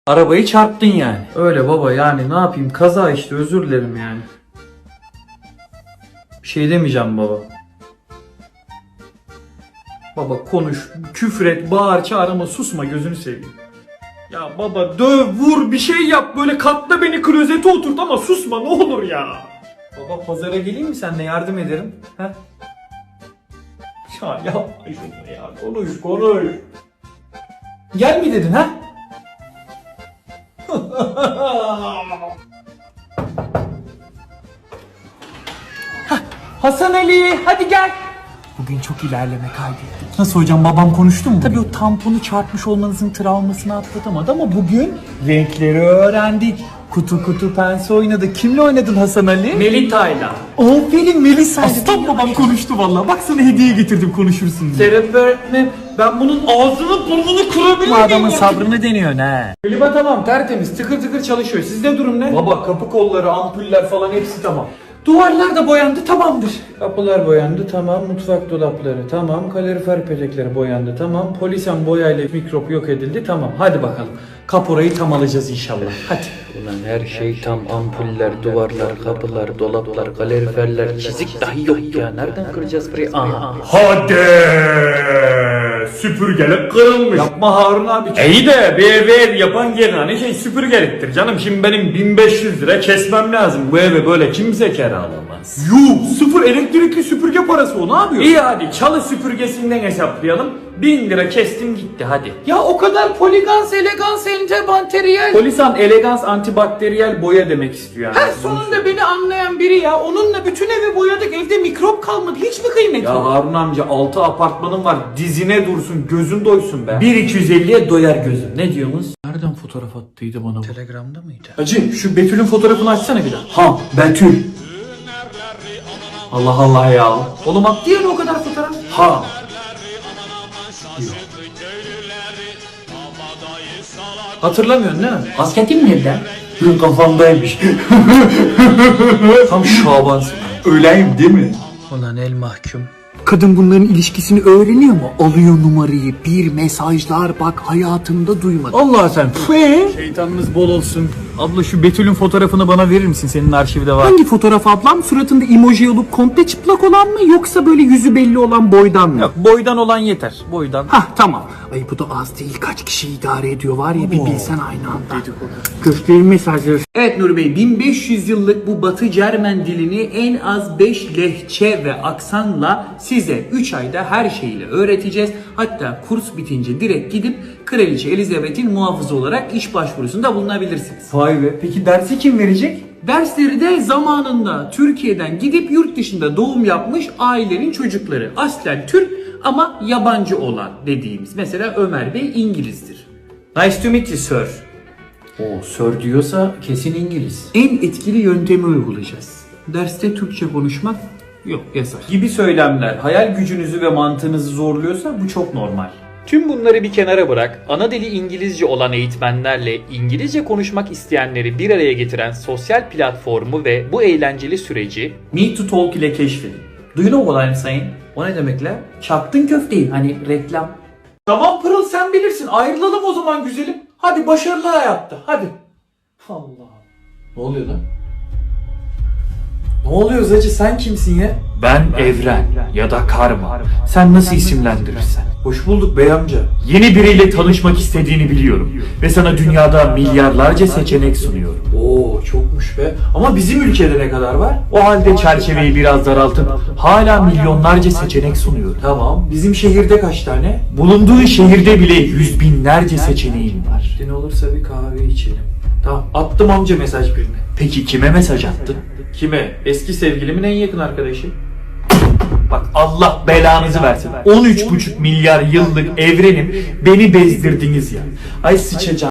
Arabayı çarptın yani. Öyle baba, yani ne yapayım, kaza işte, özür dilerim yani. Bir şey demeyeceğim baba. Baba konuş, küfür et, bağır, çağır ama susma, gözünü seveyim. Ya baba döv, vur, bir şey yap, böyle katla beni klozete oturt ama susma ne olur ya. Baba pazara geleyim mi, seninle yardım ederim? He? Ya yapma şunu ya, konuş. Gel mi dedin ha? Hasan Ali hadi gel. Bugün çok ilerleme kaydettik. Nasıl hocam, babam konuştu mu? Tabii o tamponu çarpmış olmanızın travmasını atlatamadı ama bugün renkleri öğrendik. Kutu pense oynadık. Kimle oynadın Hasan Ali? Melita'yla. Aferin Melisa'yla. Aslan babam konuştu vallahi. Bak sana hediye getirdim, konuşursun diye. Serap öğretmenim, ben bunun ağzını burnunu kırabilir miyim? Bu adamın sabrını deniyor ne? Klima tamam, tertemiz, tıkır tıkır çalışıyor. Sizde durum ne? Baba kapı kolları, ampuller falan hepsi tamam. Duvarlar da boyandı, tamamdır. Kapılar boyandı, tamam. Mutfak dolapları, tamam. Kalorifer petekleri boyandı, tamam. Polisen boyayla mikrop yok edildi, tamam. Hadi bakalım. Kaporayı tam alacağız inşallah. Hadi. Ulan her şey tam, ampuller, duvarlar, kapılar, dolaplar, kaloriferler, çizik dahi yok ya. Nereden kıracağız burayı? Aha. Hadi! Süpürgelik kırılmış. Yapma Harun abi. İyi de bir ev yapan yerine şey süpürgeliktir canım. Şimdi benim 1500 lira kesmem lazım. Bu eve böyle kimse kiralamaz. Yuh, sıfır elektrikli süpürge parası o, ne yapıyor? İyi hadi çalı süpürgesinden hesaplayalım. 1000 lira kestim gitti hadi. Ya o kadar poligans, elegans, antibakteriyel. Polisan elegans antibakteriyel boya demek istiyor yani. Her sonunda beni anlayan biri ya. Onunla bütün evi boyadık, evde mikrop kalmadı. Hiç mi kıymeti? Ya Harun amca 6 apartmanım var. Dizine dursun, gözün doysun be. 1.250'ye doyar gözüm. Ne diyorsunuz? Nereden fotoğraf attıydı bana bu? Telegram'da mıydı? Hacı şu Betül'ün fotoğrafını açsana bir daha. Ha Betül. Allah Allah ya. Oğlum attı ya o kadar fotoğraf. Ha. Hatırlamıyorsun değil mi? Kasketim nerede? Benim kafamdaymış. Tam Şabansın. Öyleyim değil mi? Ulan el mahkum. Kadın bunların ilişkisini öğreniyor mu? Alıyor numarayı, bir mesajlar, bak hayatımda duymadım. Allah sen. Şeytanınız bol olsun. Abla şu Betül'ün fotoğrafını bana verir misin? Senin arşivde var. Hangi fotoğraf ablam? Suratında emoji olup komple çıplak olan mı, yoksa böyle yüzü belli olan boydan mı? Yok, boydan olan yeter. Boydan. Hah tamam. Ay bu da az değil, kaç kişi idare ediyor var ya, bir bilsen aynı anda. Gösterin mesajları. Evet Nuri Bey, 1500 yıllık bu Batı Cermen dilini en az 5 lehçe ve aksanla size 3 ayda her şeyiyle öğreteceğiz. Hatta kurs bitince direkt gidip Kraliçe Elizabeth'in muhafızı olarak iş başvurusunda bulunabilirsiniz. Vay be. Peki dersi kim verecek? Dersleri de zamanında Türkiye'den gidip yurt dışında doğum yapmış ailenin çocukları. Aslen Türk ama yabancı olan dediğimiz. Mesela Ömer Bey İngilizdir. Nice to meet you sir. O sir diyorsa kesin İngiliz. En etkili yöntemi uygulayacağız. Derste Türkçe konuşmak yok, yasak. Gibi söylemler hayal gücünüzü ve mantığınızı zorluyorsa bu çok normal. Tüm bunları bir kenara bırak, ana dili İngilizce olan eğitmenlerle İngilizce konuşmak isteyenleri bir araya getiren sosyal platformu ve bu eğlenceli süreci Meet to Talk ile keşfedin. Do you know what I'm saying? O ne demek la? Çaktın köfteyi, hani reklam. Tamam Pırıl, sen bilirsin. Ayrılalım o zaman güzelim. Hadi başarılı hayatta. Hadi. Allah. Ne oluyor lan? Ne oluyor Zacı, sen kimsin ya? Ben Evren ya da Karma. Sen nasıl isimlendirirsen. Hoş bulduk bey amca. Yeni biriyle tanışmak istediğini biliyorum. Ve sana dünyada milyarlarca seçenek sunuyorum. Oo çokmuş be. Ama bizim ülkede ne kadar var? O halde çerçeveyi biraz daraltıp hala milyonlarca seçenek sunuyorum. Tamam. Bizim şehirde kaç tane? Bulunduğun şehirde bile yüz binlerce seçeneğin var. Ne olursa bir kahve içelim. Tamam. Attım amca mesaj birine. Peki kime mesaj attın? Kime? Eski sevgilimin en yakın arkadaşı. Bak Allah belanızı versin. 13,5 milyar yıllık evrenim, beni bezdirdiniz ya. Ay sıçacağım.